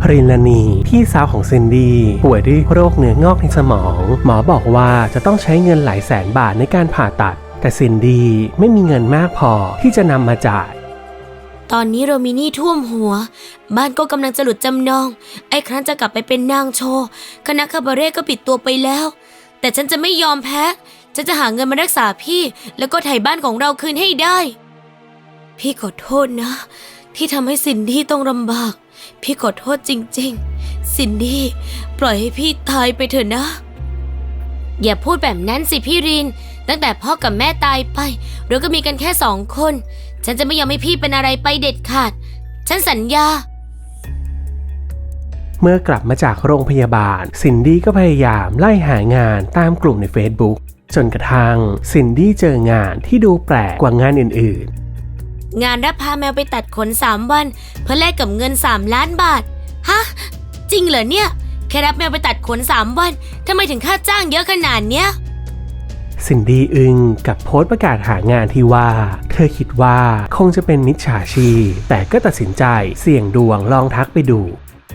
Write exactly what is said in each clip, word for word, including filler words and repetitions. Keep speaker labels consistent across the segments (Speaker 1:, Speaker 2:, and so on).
Speaker 1: รินลนีพี่สาวของซินดี้ป่วยด้วยโรคเนื้องอกในสมองหมอบอกว่าจะต้องใช้เงินหลายแสนบาทในการผ่าตัดแต่ซินดี้ไม่มีเงินมากพอที่จะนำมาจ่าย
Speaker 2: ตอนนี้เรามีหนี้ท่วมหัวบ้านก็กำลังจะหลุดจำนองไอ้ครั้นจะกลับไปเป็นนางโชว์คณะคาบาเร่ก็ปิดตัวไปแล้วแต่ฉันจะไม่ยอมแพ้ฉันจะหาเงินมารักษาพี่แล้วก็ไถ่บ้านของเราคืนให้ได้พี่ขอโทษนะที่ทำให้ซินดี้ต้องลำบากพี่ขอโทษจริงๆซินดี้ปล่อยให้พี่ตายไปเถอะนะอย่าพูดแบบนั้นสิพี่รินตั้งแต่พ่อกับแม่ตายไปเราก็มีกันแค่สองคนฉันจะไม่ยอมให้พี่เป็นอะไรไปเด็ดขาดฉันสัญญา
Speaker 1: เมื่อกลับมาจากโรงพยาบาลซินดี้ก็พยายามไล่หางานตามกลุ่มใน Facebook จนกระทั่งซินดี้เจองานที่ดูแปลกกว่างานอื่น
Speaker 2: ๆงานรับพาแมวไปตัดขนสามวันเพื่อแลกกับเงินสามล้านบาทฮะจริงเหรอเนี่ยแค่รับแมวไปตัดขนสามวันทำไมถึงค่าจ้างเยอะขนาดเนี้ย
Speaker 1: ซินดี้อึ้งกับโพสต์ประกาศหางานที่ว่าเธอคิดว่าคงจะเป็นมิจฉาชีพแต่ก็ตัดสินใจเสี่ยงดวงลองทักไปดู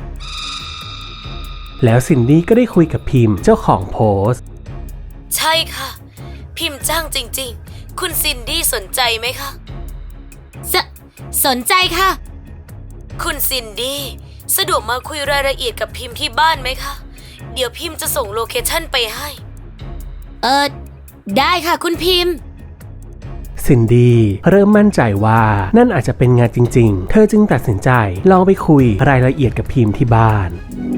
Speaker 1: แล้วซินดี้ก็ได้คุยกับพิมพ์เจ้าของโพสต์
Speaker 2: ใช่ค่ะพิมพ์จ้างจริงๆคุณซินดี้สนใจไหมคะสสนใจค่ะคุณซินดี้สะดวกมาคุยรายละเอียดกับพิมพ์ที่บ้านไหมคะเดี๋ยวพิมพ์จะส่งโลเคชั่นไปให้เออได้ค่ะคุณพิมพ์
Speaker 1: ซินดี้เริ่มมั่นใจว่านั่นอาจจะเป็นงานจริงๆเธอจึงตัดสินใจลองไปคุยรายละเอียดกับพิมพ์ที่บ้าน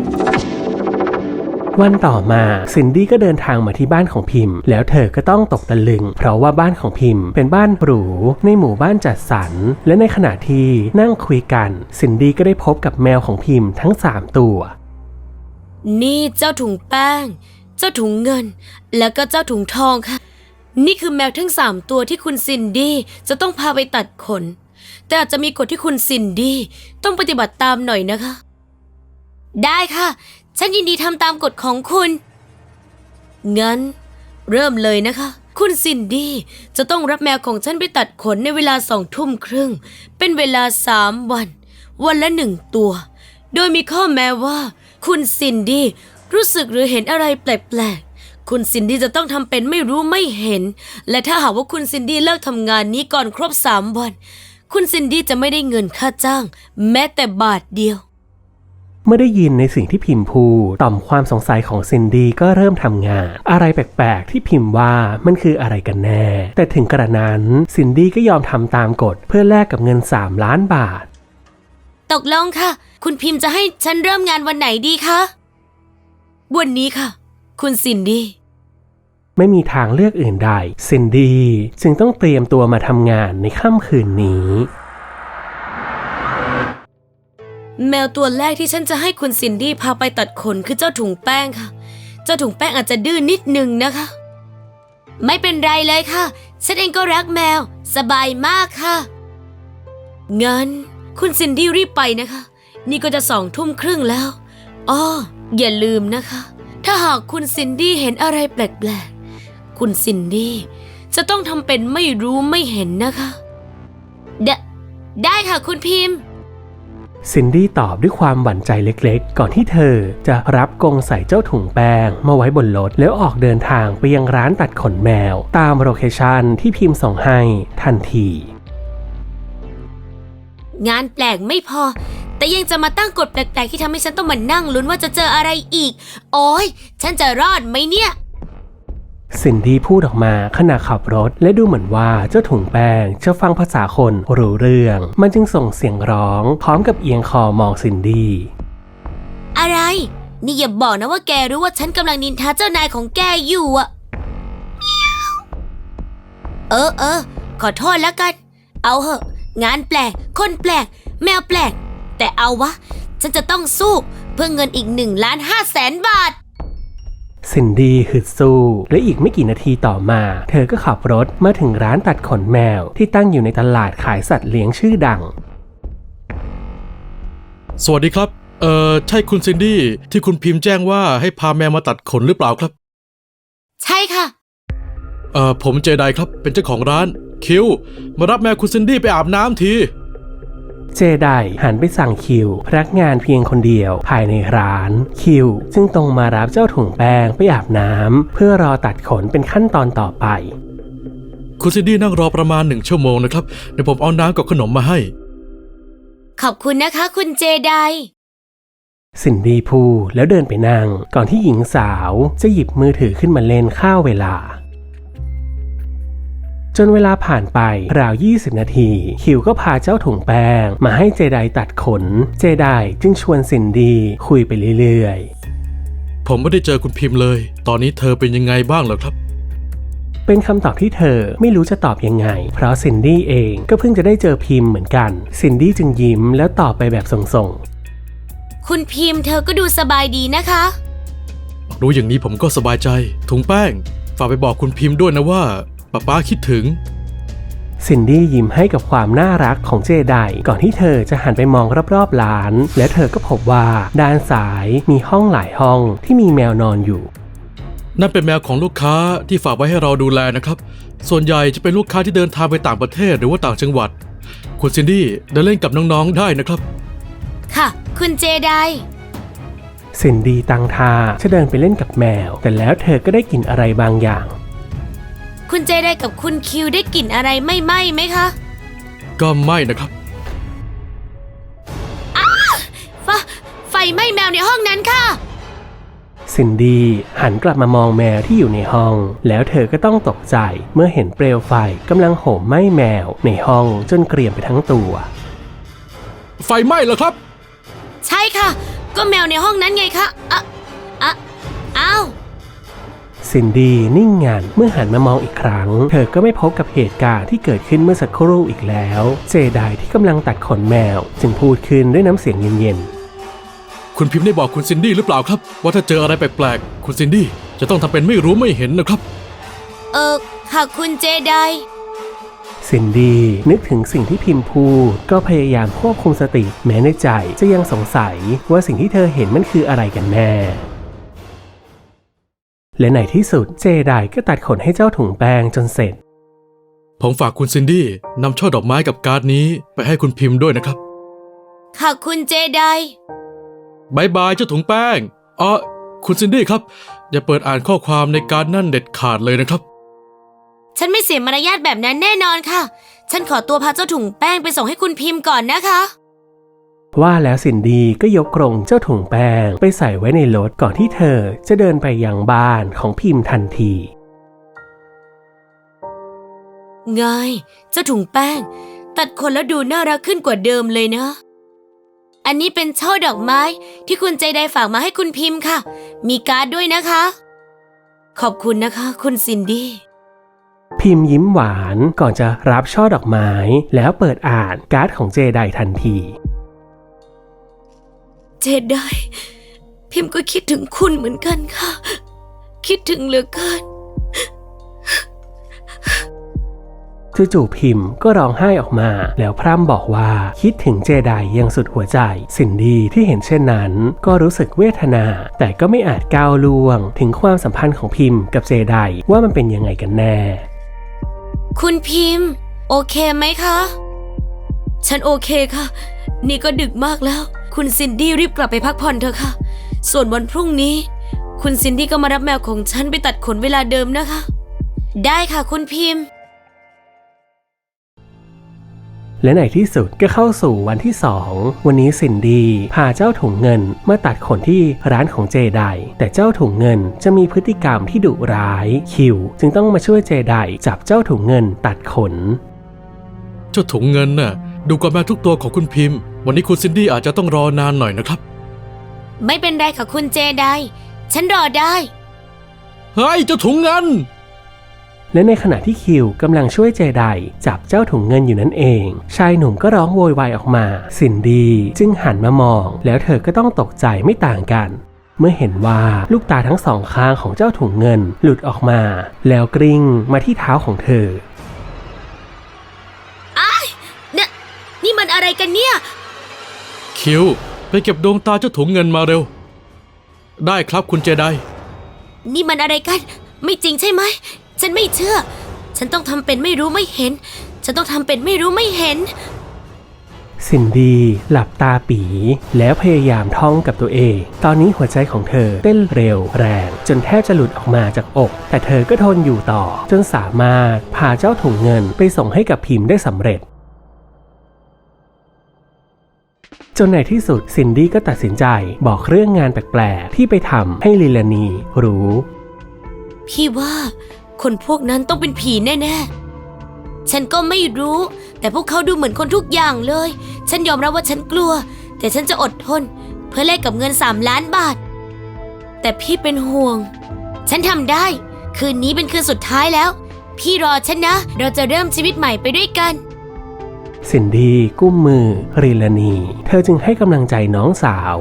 Speaker 1: วันต่อมาซินดี้ก็เดินทางมาที่บ้านของพิมพ์แล้วเธอก็ต้องตกตะลึงเพราะว่าบ้านของพิมพ์เป็นบ้านหรูในหมู่บ้านจัดสรรและในขณะที่นั่งคุยกันซินดี้ก็ได้พบกับแมวของพิมพ์ทั้งสามตัว
Speaker 2: นี่เจ้าถุงแป้งเจ้าถุงเงินแล้วก็เจ้าถุงทองค่ะนี่คือแมวทั้งสามตัวที่คุณซินดี้จะต้องพาไปตัดขนแต่อาจจะมีกฎที่คุณซินดี้ต้องปฏิบัติตามหน่อยนะคะได้ค่ะฉันยินดีทำตามกฎของคุณงั้นเริ่มเลยนะคะคุณซินดี้จะต้องรับแมวของฉันไปตัดขนในเวลาสองทุ่มครึ่งเป็นเวลาสามวันวันละหนึ่งตัวโดยมีข้อแม้ว่าคุณซินดี้รู้สึกหรือเห็นอะไรแปลกๆคุณซินดี้จะต้องทำเป็นไม่รู้ไม่เห็นและถ้าหากว่าคุณซินดี้เลิกทำงานนี้ก่อนครบสามวันคุณซินดี้จะไม่ได้เงินค่าจ้างแม้แต่บาทเดียว
Speaker 1: เมื่อได้ยินในสิ่งที่พิมพ์พูดต่อมความสงสัยของซินดี้ก็เริ่มทำงานอะไรแปลกๆที่พิมพ์ว่ามันคืออะไรกันแน่แต่ถึงกระนั้นซินดี้ก็ยอมทำตามกฎเพื่อแลกกับเงินสามล้านบาท
Speaker 2: ตกลงค่ะคุณพิมพ์จะให้ฉันเริ่มงานวันไหนดีคะวันนี้ค่ะคุณซินดี้
Speaker 1: ไม่มีทางเลือกอื่นใดซินดี้จึงต้องเตรียมตัวมาทำงานในค่ำคืนนี้
Speaker 2: แมวตัวแรกที่ฉันจะให้คุณซินดี้พาไปตัดขนคือเจ้าถุงแป้งค่ะเจ้าถุงแป้งอาจจะดื้อนนิดนึงนะคะไม่เป็นไรเลยค่ะฉันเองก็รักแมวสบายมากค่ะงั้นคุณซินดี้รีบไปนะคะนี่ก็จะสองทุ่มครึ่งแล้วอ้ออย่าลืมนะคะถ้าหากคุณซินดี้เห็นอะไรแปลกๆคุณซินดี้จะต้องทำเป็นไม่รู้ไม่เห็นนะคะไดได้ค่ะคุณพิมพ์
Speaker 1: ซินดี้ตอบด้วยความหวั่นใจเล็กๆก่อนที่เธอจะรับกรงใส่เจ้าถุงแป้งมาไว้บนรถแล้วออกเดินทางไปยังร้านตัดขนแมวตามโลเคชั่นที่พิมพ์ส่งให้ทันที
Speaker 2: งานแปลกไม่พอแต่ยังจะมาตั้งกฎแปลกๆที่ทำให้ฉันต้องมานั่งลุ้นว่าจะเจออะไรอีกโอ๊ยฉันจะรอดไหมเนี่ย
Speaker 1: ซินดี้พูดออกมาขณะขับรถและดูเหมือนว่าเจ้าถุงแป้งจะฟังภาษาคนรู้เรื่องมันจึงส่งเสียงร้องพร้อมกับเอียงคอมองซินดี้
Speaker 2: อะไรนี่อย่าบอกนะว่าแกรู้ว่าฉันกำลังนินทาเจ้านายของแกอยู่อะเออเออขอโทษแล้วกันเอาเหอะงานแปลกคนแปลกแมวแปลกแต่เอาวะฉันจะต้องสู้เพื่อเงินอีกหนึ่งล้านห้าแสนบาท
Speaker 1: ซินดี้ฮึดสู้และอีกไม่กี่นาทีต่อมาเธอก็ขับรถมาถึงร้านตัดขนแมวที่ตั้งอยู่ในตลาดขายสัตว์เลี้ยงชื่อดัง
Speaker 3: สวัสดีครับเอ่อใช่คุณซินดี้ที่คุณพิมพ์แจ้งว่าให้พาแมวมาตัดขนหรือเปล่าครับ
Speaker 2: ใช่ค่ะ
Speaker 3: เอ่อผมเจไดครับเป็นเจ้าของร้านคิวมารับแมวคุณซินดี้ไปอาบน้ำที
Speaker 1: เจไดหันไปสั่งคิวพนักงานเพียงคนเดียวภายในร้านคิวจึงตรงมารับเจ้าถุงแป้งไปอาบน้ำเพื่อรอตัดขนเป็นขั้นตอนต่อไป
Speaker 3: คุณซินดี้นั่งรอประมาณหนึ่งชั่วโมงนะครับเดี๋ยวผมเอาน้ำกับขนมมาให้
Speaker 2: ขอบคุณนะคะคุณเจได
Speaker 1: ซินดี้พูดแล้วเดินไปนั่งก่อนที่หญิงสาวจะหยิบมือถือขึ้นมาเล่นข้าวเวลาจนเวลาผ่านไปราวยี่สิบนาทีคิวก็พาเจ้าถุงแป้งมาให้เจไดตัดขนเจไดจึงชวนซินดี้คุยไปเรื่อย
Speaker 3: ๆผมไม่ได้เจอคุณพิมพ์เลยตอนนี้เธอเป็นยังไงบ้างเหรอครับ
Speaker 1: เป็นคำตอบที่เธอไม่รู้จะตอบยังไงเพราะซินดี้เองก็เพิ่งจะได้เจอพิมพ์เหมือนกันซินดี้จึงยิ้มแล้วตอบไปแบบส่ง
Speaker 2: ๆคุณพิมพ์เธอก็ดูสบายดีนะคะ
Speaker 3: รู้อย่างนี้ผมก็สบายใจถุงแป้งฝากไปบอกคุณพิมพ์ด้วยนะว่าป๊าป๊าคิดถึง
Speaker 1: ซินดี้ยิ้มให้กับความน่ารักของเจไดก่อนที่เธอจะหันไปมองรอบๆร้านและเธอก็พบว่าด้านซ้ายมีห้องหลายห้องที่มีแมวนอนอยู่
Speaker 3: นั่นเป็นแมวของลูกค้าที่ฝากไว้ให้เราดูแลนะครับส่วนใหญ่จะเป็นลูกค้าที่เดินทางไปต่างประเทศหรือว่าต่างจังหวัดคุณซินดี้เดินเล่นกับน้องๆได้นะครับ
Speaker 2: ค่ะคุณเจได
Speaker 1: ซินดี้ตั้งท่าจะเดินไปเล่นกับแมวแต่แล้วเธอก็ได้กลิ่นอะไรบางอย่าง
Speaker 2: คุณเจไดกับคุณคิวได้กลิ่นอะไรไม่ไหม้ไหมคะ
Speaker 3: ก็ไม่นะครับ
Speaker 2: อ้าไฟไฟไหม้แมวในห้องนั้นค่ะ
Speaker 1: ซินดี้หันกลับมามองแมวที่อยู่ในห้องแล้วเธอก็ต้องตกใจเมื่อเห็นเปลวไฟกำลังโหมไหม้แมวในห้องจนเกรียมไปทั้งตัว
Speaker 3: ไฟไหม้เหรอครับ
Speaker 2: ใช่ค่ะก็แมวในห้องนั้นไงคะอ่ะอ่ะอ้าว
Speaker 1: ซินดี้นิ่งงันเมื่อหันมามองอีกครั้งเธอก็ไม่พบกับเหตุการณ์ที่เกิดขึ้นเมื่อสักครู่อีกแล้วเจไดที่กำลังตัดขนแมวจึงพูดขึ้นด้วยน้ำเสียงเย็น
Speaker 3: ๆคุณพิมพ์ได้บอกคุณซินดี้หรือเปล่าครับว่าถ้าเจออะไรแปลกๆคุณซินดี้จะต้องทำเป็นไม่รู้ไม่เห็นนะครับ
Speaker 2: เออค่ะคุณเจได
Speaker 1: ซินดี้นึกถึงสิ่งที่พิมพ์พูดก็พยายามควบคุมสติแม้ในใจจะยังสงสัยว่าสิ่งที่เธอเห็นมันคืออะไรกันแน่และในที่สุดเจไดก็ตัดขนให้เจ้าถุงแป้งจนเสร็จ
Speaker 3: ผมฝากคุณซินดี้นำช่อดอกไม้กับการ์ดนี้ไปให้คุณพิมพ์ด้วยนะครับ
Speaker 2: ค่ะคุณเจได
Speaker 3: บายบายเจ้าถุงแป้งอ๋อคุณซินดี้ครับอย่าเปิดอ่านข้อความในการ์ดนั่นเด็ดขาดเลยนะครับ
Speaker 2: ฉันไม่เสียมารยาทแบบนั้นแน่นอนค่ะฉันขอตัวพาเจ้าถุงแป้งไปส่งให้คุณพิมพ์ก่อนนะคะ
Speaker 1: ว่าแล้วซินดี้ก็ยกกรงเจ้าถุงแป้งไปใส่ไว้ในรถก่อนที่เธอจะเดินไปยังบ้านของพิมพ์ทันที
Speaker 2: ไงเจ้าถุงแป้งตัดขนแล้วดูน่ารักขึ้นกว่าเดิมเลยนะอันนี้เป็นช่อดอกไม้ที่คุณใจไดฝากมาให้คุณพิมพ์ค่ะมีการ์ดด้วยนะคะขอบคุณนะคะคุณซินดี้
Speaker 1: พิมพ์ยิ้มหวานก่อนจะรับช่อดอกไม้แล้วเปิดอ่านการ์ดของเจไดทันที
Speaker 2: เจไดพิมพ์ก็คิดถึงคุณเหมือนกันค่ะคิดถึงเหลือเกิน
Speaker 1: จู่ๆพิมพ์ก็ร้องไห้ออกมาแล้วพร่ำบอกว่าคิดถึงเจไดอย่างสุดหัวใจซินดี้ที่เห็นเช่นนั้นก็รู้สึกเวทนาแต่ก็ไม่อาจก้าวล่วงถึงความสัมพันธ์ของพิมพ์กับเจไดว่ามันเป็นยังไงกันแน่
Speaker 2: คุณพิมพ์โอเคไหมคะฉันโอเคค่ะนี่ก็ดึกมากแล้วคุณซินดี้รีบกลับไปพักผ่อนเถอะค่ะส่วนวันพรุ่งนี้คุณซินดี้ก็มารับแมวของฉันไปตัดขนเวลาเดิมนะคะได้ค่ะคุณพิมพ์
Speaker 1: และในที่สุดก็เข้าสู่วันที่สองวันนี้ซินดี้พาเจ้าถุงเงินมาตัดขนที่ร้านของเจไดแต่เจ้าถุงเงินจะมีพฤติกรรมที่ดุร้ายคิวจึงต้องมาช่วยเจไดจับเจ้าถุงเงินตัดขน
Speaker 3: เจ้าถุงเงินน่ะดูกว่าแมวทุกตัวของคุณพิมพ์วันนี้คุณซินดี้อาจจะต้องรอนานหน่อยนะครับ
Speaker 2: ไม่เป็นไรค่ะคุณเจไดฉันรอได้
Speaker 3: เฮ้ยเจ้าถุงเงิน
Speaker 1: และในขณะที่คิวกำลังช่วยเจไดจับเจ้าถุงเงินอยู่นั่นเองชายหนุ่มก็ร้องโวยวายออกมาซินดี้จึงหันมามองแล้วเธอก็ต้องตกใจไม่ต่างกันเมื่อเห็นว่าลูกตาทั้งสองข้างของเจ้าถุงเงินหลุดออกมาแล้วกลิ้งมาที่เท้าของเธอ
Speaker 2: อ้ายเนี่ยนี่มันอะไรกันเนี่ย
Speaker 3: คิวไปเก็บดวงตาเจ้าถุงเงินมาเร็วได้ครับคุณเจได
Speaker 2: นี่มันอะไรกันไม่จริงใช่ไหมฉันไม่เชื่อฉันต้องทำเป็นไม่รู้ไม่เห็นฉันต้องทำเป็นไม่รู้ไม่เห็น
Speaker 1: ซินดี้หลับตาปีแล้วพยายามท่องกับตัวเองตอนนี้หัวใจของเธอเต้นเร็วแรงจนแทบจะหลุดออกมาจากอกแต่เธอก็ทนอยู่ต่อจนสามารถพาเจ้าถุงเงินไปส่งให้กับพิมพ์ได้สำเร็จจนในที่สุดซินดี้ก็ตัดสินใจบอกเรื่องงานแปลกๆที่ไปทำให้ลิลานีรู้
Speaker 2: พี่ว่าคนพวกนั้นต้องเป็นผีแน่ๆฉันก็ไม่รู้แต่พวกเขาดูเหมือนคนทุกอย่างเลยฉันยอมรับว่าฉันกลัวแต่ฉันจะอดทนเพื่อแลกกับเงินสามล้านบาทแต่พี่เป็นห่วงฉันทำได้คืนนี้เป็นคืนสุดท้ายแล้วพี่รอฉันนะเราจะเริ่มชีวิตใหม่ไปด้วยกัน
Speaker 1: ซินดี้กุ้มมือริลานีเธอจึงให้กำลังใจน้องสาว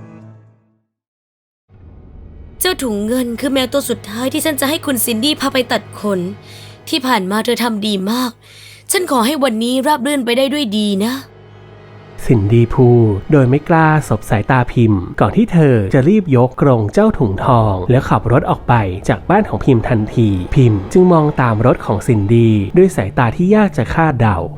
Speaker 2: เจ้าถุงเงินคือแมวตัวสุดท้ายที่ฉันจะให้คุณซินดี้พาไปตัดขนที่ผ่านมาเธอทำดีมากฉันขอให้วันนี้ราบรื่นไปได้ด้วยดีนะ
Speaker 1: ซินดี้พูดโดยไม่กล้าสบสายตาพิมพ์ก่อนที่เธอจะรีบยกกรงเจ้าถุงทองแล้วขับรถออกไปจากบ้านของพิมพ์ทันทีพิมพ์จึงมองตามรถของซินดี้ด้วยสายตาที่ยากจะคาดเดา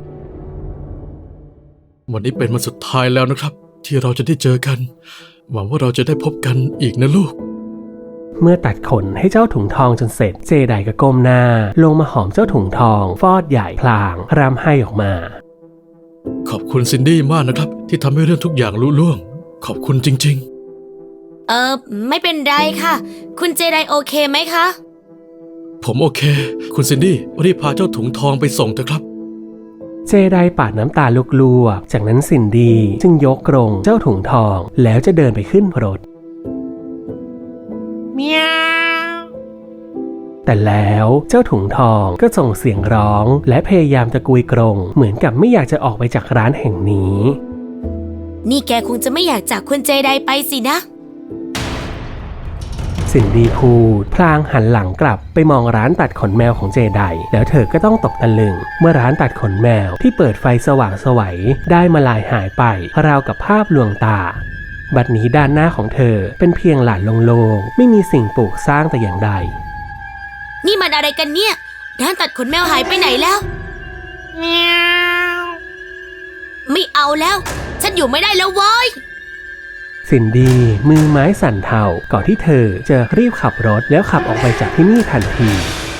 Speaker 3: วันนี้เป็นวันสุดท้ายแล้วนะครับที่เราจะได้เจอกันหวังว่าเราจะได้พบกันอีกนะลูก
Speaker 1: เมื่อตัดขนให้เจ้าถุงทองจนเสร็จเจไดก็ก้มหน้าลงมาหอมเจ้าถุงทองฟอดใหญ่พลางร่ำไห้ออกมา
Speaker 3: ขอบคุณซินดี้มากนะครับที่ทำให้เรื่องทุกอย่างลุล่วงขอบคุณจริง
Speaker 2: ๆเออไม่เป็นไรค่ะคุณเจไดโอเคไหมคะ
Speaker 3: ผมโอเคคุณซินดี้รีบพาเจ้าถุงทองไปส่งเถอะครับ
Speaker 1: เจไดปาดน้ำตาลวกๆจากนั้นซินดี้จึงยกกรงเจ้าถุงทองแล้วจะเดินไปขึ้นรถแต่แล้วเจ้าถุงทองก็ส่งเสียงร้องและพยายามจะกุยกรงเหมือนกับไม่อยากจะออกไปจากร้านแห่งนี้
Speaker 2: นี่แกคงจะไม่อยากจากคุณเจไดไปสินะ
Speaker 1: ซินดี้พูดพลางหันหลังกลับไปมองร้านตัดขนแมวของเจไดแล้วเธอก็ต้องตกตะลึงเมื่อร้านตัดขนแมวที่เปิดไฟสว่างไสวได้มาลายหายไปราวกับภาพลวงตาบัดนี้ด้านหน้าของเธอเป็นเพียงหลานโล่งๆไม่มีสิ่งปลูกสร้างแต่อย่างใด
Speaker 2: นี่มันอะไรกันเนี่ยร้านตัดขนแมวหายไปไหนแล้วไม่เอาแล้วฉันอยู่ไม่ได้แล้วเว้ย
Speaker 1: ซินดี้มือไม้สั่นเทาก่อนที่เธอจะรีบขับรถแล้วขับออกไปจากที่นี่ทันที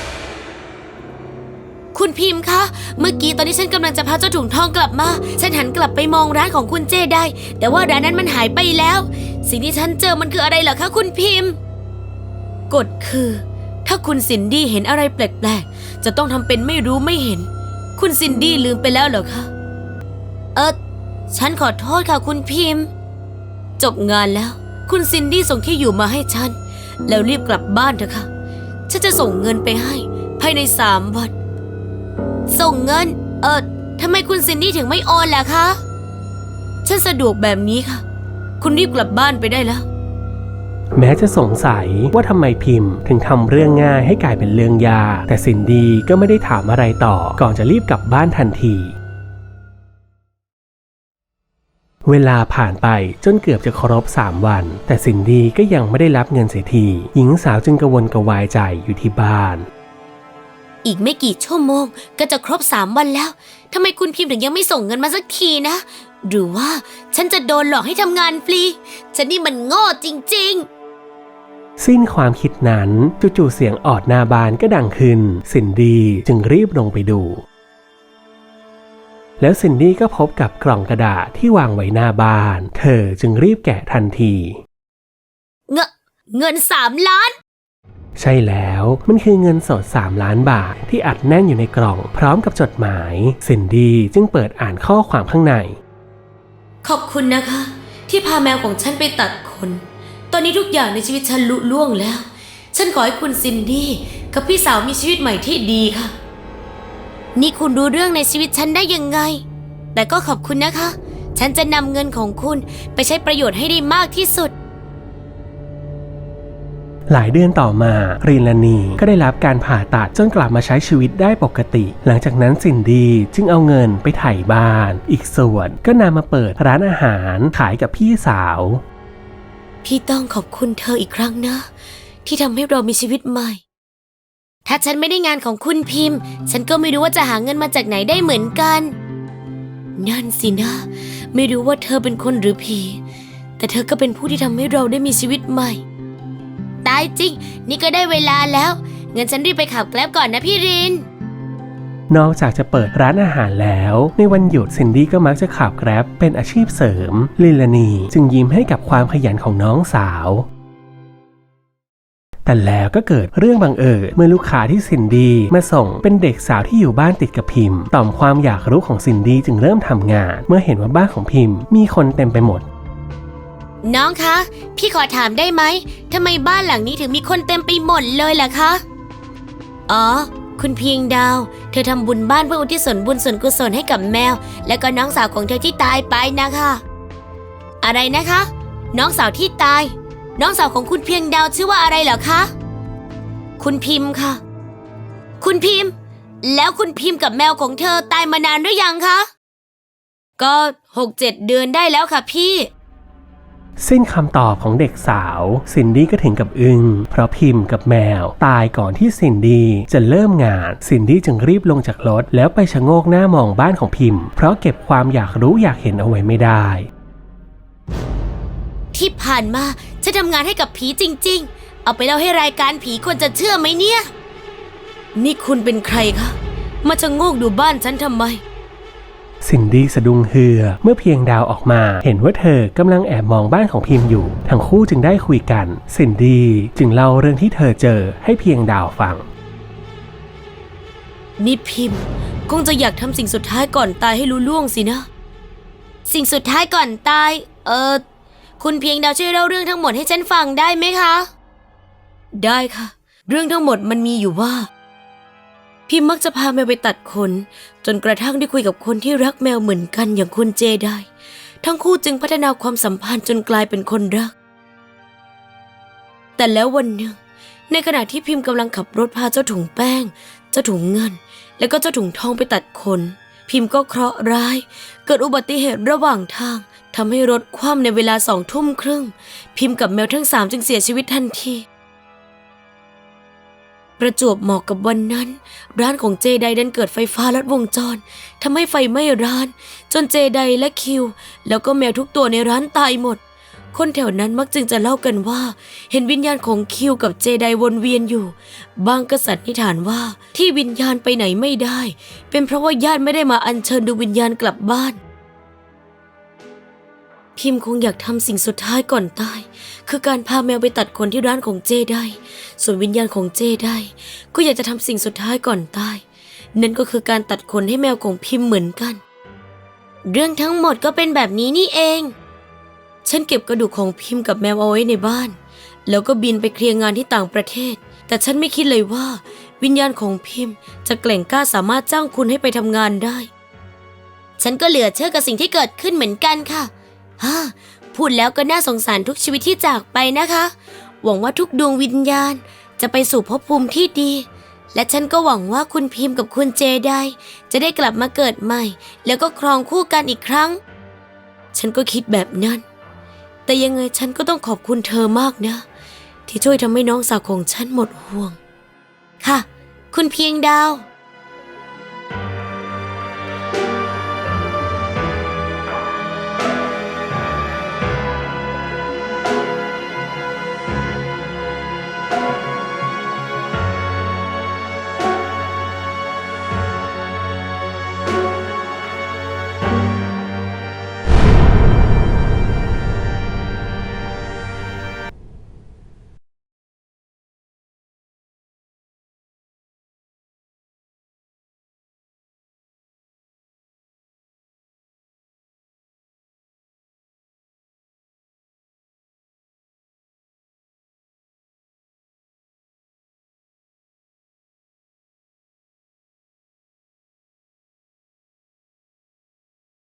Speaker 2: คุณพิมพ์คะเมื่อกี้ตอนที่ฉันกำลังจะพาเจ้าถุงทองกลับมาฉันหันกลับไปมองร้านของคุณเจไดแต่ว่าร้านนั้นมันหายไปแล้วสิ่งที่ฉันเจอมันคืออะไรเหรอคะคุณพิมพ์กฎคือถ้าคุณซินดี้เห็นอะไรแปลกๆจะต้องทำเป็นไม่รู้ไม่เห็นคุณซินดี้ลืมไปแล้วเหรอคะเออฉันขอโทษค่ะคุณพิมพ์จบงานแล้วคุณซินดี้ส่งที่อยู่มาให้ฉันแล้วรีบกลับบ้านเถอะค่ะฉันจะส่งเงินไปให้ภายในสามวันส่งเงินเออทำไมคุณซินดี้ถึงไม่โอนล่ะคะฉันสะดวกแบบนี้ค่ะคุณรีบกลับบ้านไปได้แล้ว
Speaker 1: แม้จะสงสัยว่าทำไมพิมพ์ถึงทำเรื่องง่ายให้กลายเป็นเรื่องยากแต่ซินดี้ก็ไม่ได้ถามอะไรต่อก่อนจะรีบกลับบ้านทันทีเวลาผ่านไปจนเกือบจะครบสามวันแต่ซินดี้ก็ยังไม่ได้รับเงินเสียทีหญิงสาวจึงกังวลกระวายใจอยู่ที่บ้าน
Speaker 2: อีกไม่กี่ชั่วโมงก็จะครบสามวันแล้วทำไมคุณพิมพ์ถึงยังไม่ส่งเงินมาสักทีนะหรือว่าฉันจะโดนหลอกให้ทำงานฟรีฉันนี่มันโง่จริงๆ
Speaker 1: สิ้นความคิดนั้นจู่ๆเสียงออดหน้าบ้านก็ดังขึ้นซินดี้จึงรีบลงไปดูแล้วซินดี้ก็พบกับกล่องกระดาษที่วางไว้หน้าบ้านเธอจึงรีบแกะทันที
Speaker 2: เงเงินสามล้าน
Speaker 1: ใช่แล้วมันคือเงินสดสามล้านบาทที่อัดแน่นอยู่ในกล่องพร้อมกับจดหมายซินดี้จึงเปิดอ่านข้อความข้างใน
Speaker 2: ขอบคุณนะคะที่พาแมวของฉันไปตัดขนตอนนี้ทุกอย่างในชีวิตฉันลุล่วงแล้วฉันขอให้คุณซินดี้กับพี่สาวมีชีวิตใหม่ที่ดีค่ะนี่คุณรู้เรื่องในชีวิตฉันได้ยังไงแต่ก็ขอบคุณนะคะฉันจะนำเงินของคุณไปใช้ประโยชน์ให้ได้มากที่สุด
Speaker 1: หลายเดือนต่อมาริลานีก็ได้รับการผ่าตัดจนกลับมาใช้ชีวิตได้ปกติหลังจากนั้นซินดี้จึงเอาเงินไปไถ่บ้านอีกส่วนก็นำมาเปิดร้านอาหารขายกับพี่สาว
Speaker 2: พี่ต้องขอบคุณเธออีกครั้งนะที่ทำให้เรามีชีวิตใหม่ถ้าฉันไม่ได้งานของคุณพิมพ์ฉันก็ไม่รู้ว่าจะหาเงินมาจากไหนได้เหมือนกันนั่นสินะไม่รู้ว่าเธอเป็นคนหรือผีแต่เธอก็เป็นผู้ที่ทำให้เราได้มีชีวิตใหม่ตายจริงนี่ก็ได้เวลาแล้วงั้นฉันรีบไปขับแกร็บก่อนนะพี่ริน
Speaker 1: นอกจากจะเปิดร้านอาหารแล้วในวันหยุดซินดี้ก็มักจะขับแกร็บเป็นอาชีพเสริมลิลานีจึงยิ้มให้กับความขยันของน้องสาวแต่แล้วก็เกิดเรื่องบังเอิญเมื่อลูกค้าที่ซินดี้มาส่งเป็นเด็กสาวที่อยู่บ้านติดกับพิมพ์ต่อมความอยากรู้ของซินดี้จึงเริ่มทำงานเมื่อเห็นว่าบ้านของพิมพ์มีคนเต็มไปหมด
Speaker 2: น้องคะพี่ขอถามได้ไหมทำไมบ้านหลังนี้ถึงมีคนเต็มไปหมดเลยล่ะคะอ๋อคุณเพียงดาวเธอทำบุญบ้านเพื่ออุทิศส่วนบุญส่วนกุศลให้กับแมวและก็น้องสาวของเธอที่ตายไปนะคะอะไรนะคะน้องสาวที่ตายน้องสาวของคุณเพียงดาวชื่อว่าอะไรเหรอคะคุณพิมพ์ค่ะคุณพิมพ์แล้วคุณพิมพ์กับแมวของเธอตายมานานหรือยังคะก็หกเจ็ดเดือนได้แล้วค่ะพี่
Speaker 1: สิ้นคำตอบของเด็กสาวซินดี้ก็ถึงกับอึ้งเพราะพิมพ์กับแมวตายก่อนที่ซินดี้จะเริ่มงานซินดี้จึงรีบลงจากรถแล้วไปชะโงกหน้ามองบ้านของพิมพ์เพราะเก็บความอยากรู้อยากเห็นเอาไว้ไม่ได้
Speaker 2: ที่ผ่านมาฉันทำงานให้กับผีจริงๆเอาไปเล่าให้รายการผีคนจะเชื่อไหมเนี่ยนี่คุณเป็นใครคะมาชะโงกดูบ้านฉันทำไม
Speaker 1: ซินดี้สะดุ้งเฮือเมื่อเพียงดาวออกมาเห็นว่าเธอกำลังแอบมองบ้านของพิมพ์อยู่ทั้งคู่จึงได้คุยกันซินดี้จึงเล่าเรื่องที่เธอเจอให้เพียงดาวฟัง
Speaker 2: นี่พิมพ์คงจะอยากทำสิ่งสุดท้ายก่อนตายให้รู้ล่วงสินะสิ่งสุดท้ายก่อนตายเออคุณเพียงดาวช่วยเล่าเรื่องทั้งหมดให้ฉันฟังได้ไหมคะได้ค่ะเรื่องทั้งหมดมันมีอยู่ว่าพิมมักจะพาแมวไปตัดขนจนกระทั่งได้คุยกับคนที่รักแมวเหมือนกันอย่างคุณเจได้ทั้งคู่จึงพัฒนาความสัมพันธ์จนกลายเป็นคนรักแต่แล้ววันหนึ่งในขณะที่พิมกำลังขับรถพาเจ้าถุงแป้งเจ้าถุงเงินและก็เจ้าถุงทองไปตัดขนพิมก็เคราะห์ร้ายเกิดอุบัติเหตุระหว่างทางทำให้รถคว่ำในเวลาสองทุ่มครึ่งพิมกับแมวทั้งสามจึงเสียชีวิตทันทีประจวบเหมาะกับวันนั้นร้านของเจไดดันเกิดไฟฟ้าลัดวงจรทำให้ไฟไหม้ร้านจนเจไดและคิวแล้วก็แมวทุกตัวในร้านตายหมดคนแถวนั้นมักจึงจะเล่ากันว่าเห็นวิญญาณของคิวกับเจไดวนเวียนอยู่บางก็สันนิษฐานว่าที่วิญญาณไปไหนไม่ได้เป็นเพราะว่าญาติไม่ได้มาอัญเชิญดูวิญญาณกลับบ้านพิมคงอยากทำสิ่งสุดท้ายก่อนตายคือการพาแมวไปตัดขนที่ร้านของเจไดส่วนวิญญาณของเจไดก็อยากจะทำสิ่งสุดท้ายก่อนตายนั่นก็คือการตัดขนให้แมวของพิมเหมือนกันเรื่องทั้งหมดก็เป็นแบบนี้นี่เองฉันเก็บกระดูกของพิมกับแมวเอาไว้ในบ้านแล้วก็บินไปเคลียร์งานที่ต่างประเทศแต่ฉันไม่คิดเลยว่าวิญญาณของพิมจะแกร่งกล้าสามารถจ้างคุณให้ไปทำงานได้ฉันก็เหลือเชื่อกับสิ่งที่เกิดขึ้นเหมือนกันค่ะฮ่าพูดแล้วก็น่าสงสารทุกชีวิตที่จากไปนะคะหวังว่าทุกดวงวิญญาณจะไปสู่ภพภูมิที่ดีและฉันก็หวังว่าคุณพิมพ์กับคุณเจไดจะได้กลับมาเกิดใหม่แล้วก็ครองคู่กันอีกครั้งฉันก็คิดแบบนั้นแต่ยังไงฉันก็ต้องขอบคุณเธอมากนะที่ช่วยทำให้น้องสาวของฉันหมดห่วงค่ะคุณเพียงดาว